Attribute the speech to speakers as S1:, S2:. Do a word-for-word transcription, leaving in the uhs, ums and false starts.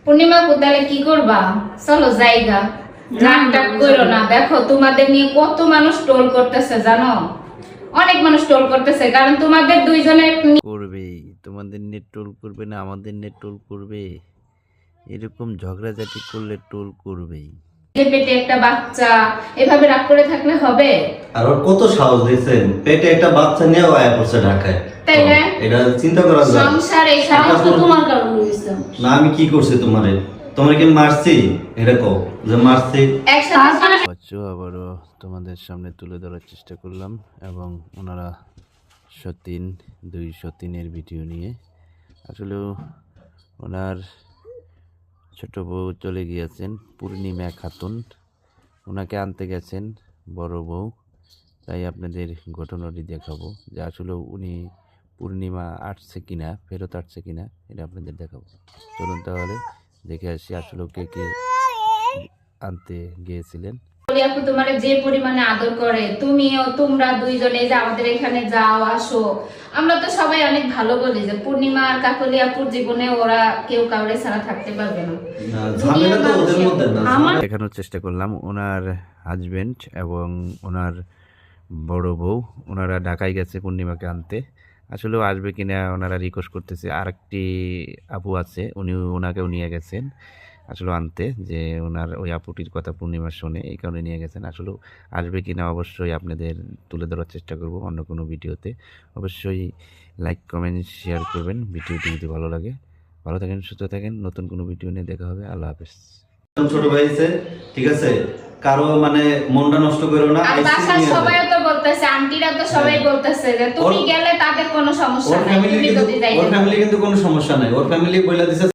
S1: পূর্ণিমা কোথালে কি করবা? চলো জায়গা নাটক করো না। দেখো তোমাদের নিয়ে কত মানুষ টোল করতেছে জানো, অনেক মানুষ টোল করতেছে, কারণ তোমাদের দুইজনের
S2: করবেই। তোমাদের নেট টোল করবে না, আমাদের নেট টোল করবে। এরকম ঝগড়াঝাটি করলে টোল করবেই।
S1: পেটে একটা বাচ্চা, এভাবে রাগ করে থাকলে হবে?
S3: আর ওর কত সাহস দিয়েছেন, পেটে একটা বাচ্চা নিয়ে আয়া পড়ছে ঢাকায়।
S1: তাই না?
S3: এটা চিন্তা করা যায়।
S1: সংসার এই সাহস তো তোমার কারণে হইছে।
S3: না আমি কি করছি তোমারে? তোমার কি মারছি? এটা কও যে মারছি।
S1: একসাথে
S2: বাচ্চা আবারও তোমাদের সামনে তুলে ধরার চেষ্টা করলাম, এবং ওনারা সতীন দুই সতীনের ভিডিও নিয়ে। আসলেও ওনার ছোট বউ চলে গিয়েছেন, পূর্ণিমা খাতুন, ওনাকে আনতে গেছেন বড় বউ। তাই আপনাদের ঘটনাটি দেখাবো যে আসলে উনি পূর্ণিমা আসছে কিনা, ফেরত আসছে কিনা, এটা আপনাদের দেখাবো। চলুন তাহলে দেখে আসি আসলে কে কে আনতে গিয়েছিলেন।
S1: আপু তোমার যে পরিমাণে আদর করে, তুমিও তোমরা দুইজনে যে আমাদের এখানে যাও আসো, আমরা তো সবাই অনেক ভালো বলি যে পূর্ণিমা আর কাকলি আপুর জীবনে ওরা কেউ কাউরে ছাড়া থাকতে পারবে না।
S3: না ঝামেলা তো ওদের মধ্যে না।
S2: দেখানোর চেষ্টা করলাম ওনার হাজবেন্ড এবং ওনার বড় বউ, ওনারা ঢাকায় গেছে পূর্ণিমাকে আনতে। আসলেও আসবে কিনা ওনারা রিকোয়েস্ট করতেছে। আরেকটি আপু আছে, উনি ওনাকেও নিয়ে গেছেন আসলে আনতে, যে ওনার ওই আপুটির কথা পূর্ণিমার শোনে, এই কারণে নিয়ে গেছেন। আসলে আসবে কিনা অবশ্যই আপনাদের তুলে ধরার চেষ্টা করব অন্য কোনো ভিডিওতে। অবশ্যই লাইক কমেন্ট শেয়ার করবেন ভিডিওটি যদি ভালো লাগে। ভালো থাকেন, সুস্থ থাকেন, নতুন কোনো ভিডিও নিয়ে দেখা হবে। আল্লাহ হাফেজ।
S3: ছোট ভাই আছে, ঠিক আছে, কারো মানে মনটা নষ্ট করো না।
S1: আর বাসার সবাই তো বলতেছে, আন্টিরা তো সবাই বলতেছে যে তুমি গেলে তাদের কোনো সমস্যা নাই, তুমি যদি যাইতে
S3: ওর ফ্যামিলি কিন্তু কোনো সমস্যা নাই। ওর ফ্যামিলি বলে দিছে